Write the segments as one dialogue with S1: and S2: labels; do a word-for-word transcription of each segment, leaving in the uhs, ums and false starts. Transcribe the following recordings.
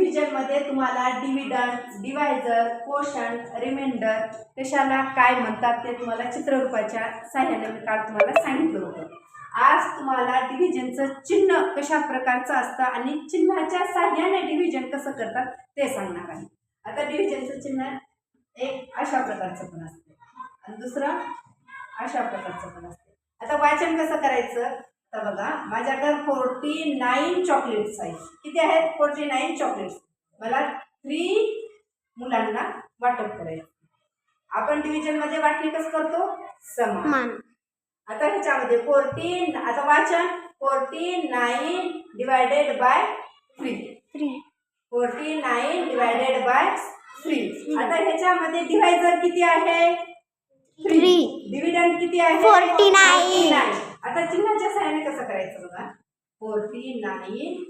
S1: Division मध्ये तुम्हाला dividend, divisor, quotient, reminder कशाला काय म्हणतात ते तुम्हाला चित्ररूपाच्या साहाय्याने मी काल तुम्हाला सांगितलं होतं. आज तुम्हाला डिव्हिजनचं चिन्ह कशा प्रकारचं असतं आणि चिन्हाच्या साहाय्याने डिव्हिजन कसं करतात ते सांगणार आहे. आता डिव्हिजनचं चिन्ह एक अशा प्रकारचं पण असते आणि दुसरं अशा प्रकारचं पण असते. आता वाचन कसं करायचं तर बघा, माझ्याकडे फोर्टी नाईन चॉकलेट्स आहेत. किती आहेत? Forty nine chocolates. मला थ्री मुलांना वाटप करायचं. आपण डिव्हिजन मध्ये वाटणी कसं करतो? समान. आता ह्याच्यामध्ये फोर्टीन, आता वाचन forty nine divided by three. Forty nine divided by three. आता ह्याच्यामध्ये डिवायझर किती आहे? थ्री. डिव्हिडंड किती आहे?
S2: Forty nine.
S1: आता चिन्हाच्या सहाय्याने कसं करायचं बघा, फोर्टी नाईन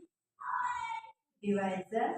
S1: डिवायझर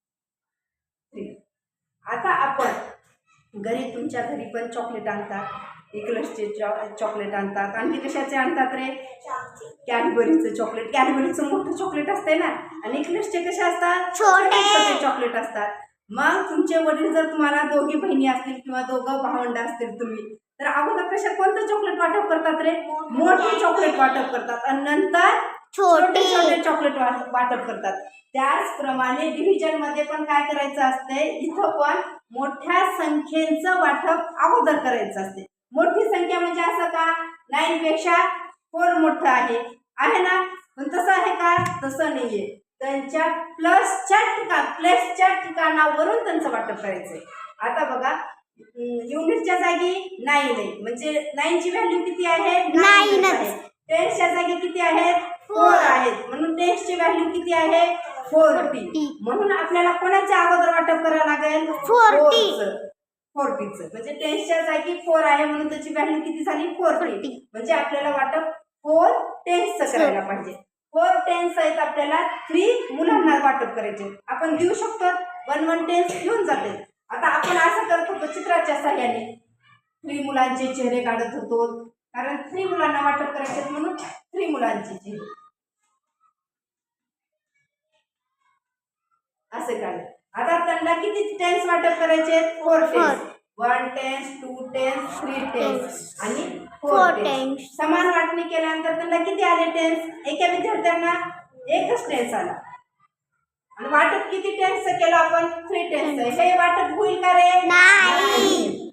S1: थ्री. आता आपण घरी, तुमच्या घरी पण चॉकलेट आणतात, इक्लसचे चॉकलेट आणतात, आणखी कशाचे आणतात रे? कॅडबरीचं चॉकलेट. कॅडबरीचं मोठं चॉकलेट असते ना, आणि इक्लसचे कसे असतात? छोटे छोटे चॉकलेट असतात. मग तुमचे वडील जर तुम्हाला दोघी बहिणी असतील किंवा दोघं भावंड असतील तुम्ही, तर अगोदर कशा कोणतं चॉकलेट वाटप करतात रे? मोठे चॉकलेट वाटप करतात आणि नंतर छोटे छोटे चॉकलेट वाटप करतात. त्याचप्रमाणे डिव्हिजन मध्ये पण काय करायचं असते, इथं पण मोठ्या संख्येचं वाटप अगोदर करायचं असते. मोठी संख्या म्हणजे असं का, नाईन पेक्षा फोर मोठं आहे आहे ना, पण तसं आहे का? तसं नाहीये. त्यांच्या प्लसच्या ठिकाण प्लसच्या ठिकाणावरून त्यांचं वाटप करायचंय. आता बघा, युनिटच्या जागी नाईन आहे, म्हणजे नाईनची व्हॅल्यू किती आहे? नाईन आहे. टेन्सच्या जागी किती आहेत? फोर आहेत, म्हणून टेन्सची व्हॅल्यू किती आहे? फोर्टी. म्हणून आपल्याला कोणाच्या अगोदर वाटप करावं लागेल? फोर्टीचं. फोर्टीचं म्हणजे टेन्सच्या जागी फोर आहे म्हणून त्याची व्हॅल्यू किती झाली? फोर्टी. म्हणजे आपल्याला वाटप फोर टेन्सचं करायला पाहिजे. फोर टेन्स आहेत, आपल्याला थ्री मुलांना वाटप करायचे. आपण देऊ शकतो, वन वन टेन्स घेऊन जाते. आता आपण असं करत होतो चित्राच्या साह्याने, थ्री मुलांचे चेहरे काढत होतो, कारण थ्री मुलांना वाटप करायचे म्हणून थ्री मुलांचे चेहरे असे काढले. आता त्यांना किती टेन्स वाटप करायचे? Four tens. One tens, two tens, three tens आणि फोर टेन्स. समान वाटणी केल्यानंतर त्यांना किती आले टेन्स? एका विद्यार्थ्यांना एकच टेन्स आला. आणि वाटप किती टेन्सचं केलं आपण? थ्री टेन्सचं. हे वाटप होईल का रे? नाही.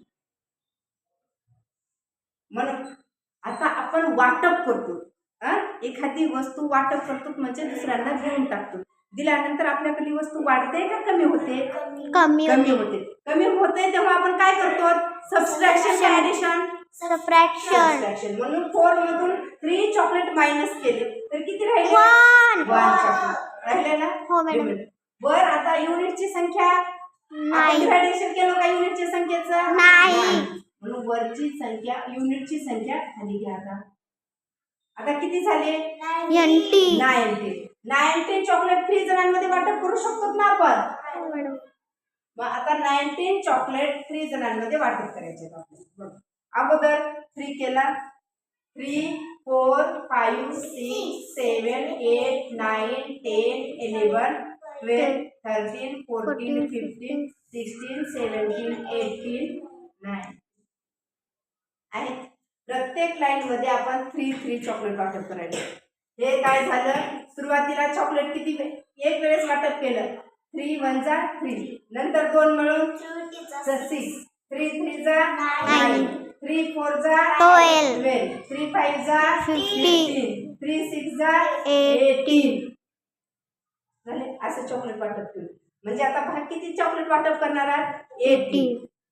S1: म्हणून आता आपण वाटप करतो, एखादी वस्तू वाटप करतो म्हणजे दुसऱ्यांना देऊन टाकतो. दिल्यानंतर आपल्याकडली वस्तू वाढते का कमी होते?
S2: कमी
S1: कमी होते. कमी होते तेव्हा आपण काय करतो? Subtraction, addition, subtraction. म्हणून फोर मधून थ्री चॉकलेट मायनस केले तर किती राहिले? वन. वन चॉकलेट राहिले ना?
S2: हो मॅडम.
S1: वर आता युनिटची संख्या डिव्हायडेशन केलं का युनिटच्या संख्येचं?
S2: नाही.
S1: म्हणून वरची संख्या, युनिटची संख्या खाली घ्या. आता आता किती झाले?
S2: Ninety.
S1: Ninety. Nineteen chocolate three जणांमध्ये वाटप करू शकतो ना आपण? मग आता नाईन्टीन चॉकलेट थ्री जणांमध्ये वाटप करायचे. अगोदर थ्री केला, three four five six seven eight nine ten eleven twelve thirteen fourteen fifteen sixteen seventeen eighteen nine आहे. प्रत्येक लाईन मध्ये आपण थ्री थ्री चॉकलेट वाटप करायचे. हे काय झालं, सुरुवातीला चॉकलेट किती एक वेळेस वाटप केलं, थ्री वन जा थ्री, नंतर दोन मिळून सिक्स, थ्री थ्री जा नाईन, थ्री फोर जा ट्वेल्व, थ्री फाईव्ह जा फिफ्टीन, थ्री सिक्स जा एटीन झाले. असं चॉकलेट वाटप केलं. म्हणजे आता भाग किती चॉकलेट वाटप करणार आहात? एटी.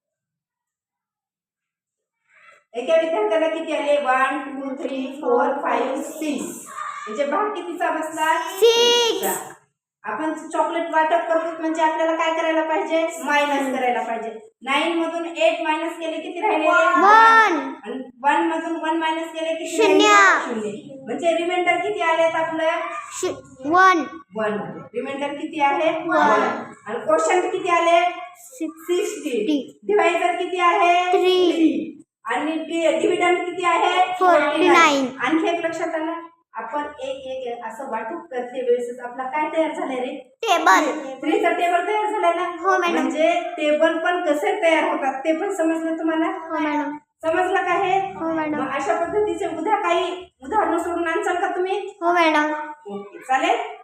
S1: एका विद्यार्थ्याला किती आले? One two three four five six. म्हणजे भाग कितीचा बसला? सिक्स. आपण चॉकलेट वाटप करतो म्हणजे आपल्याला काय करायला पाहिजे? मायनस करायला पाहिजे. नाईन मधून एट मायनस केले किती राहिले? वन. आणि वन मधून वन मायनस केले किती? शून्य. शून्य. म्हणजे रिमाइंडर किती आलेत आपलं? वन. वन. रिमाइंडर किती आहे? वन. आणि कोशंट किती आले? सिक्स्टी. डिवायझर किती आहे? थ्री. आणि डिव्हिडंड किती आहे? Forty nine. आणखी एक लक्षात आलं, आपण एक एक असं वाटप करते वेळेस आपला काय तयार झालंय रे?
S2: टेबल.
S1: थ्रीचा टेबल तयार झालाय ना?
S2: हो मॅडम.
S1: म्हणजे टेबल पण कसे तयार होतात ते पण समजलं तुम्हाला?
S2: हो मॅडम.
S1: समजलं का हे?
S2: हो मॅडम.
S1: मग अशा पद्धतीचे उद्या काही उदाहरणं सोडून आणसाल का तुम्ही?
S2: हो मॅडम.
S1: ओके चालेल.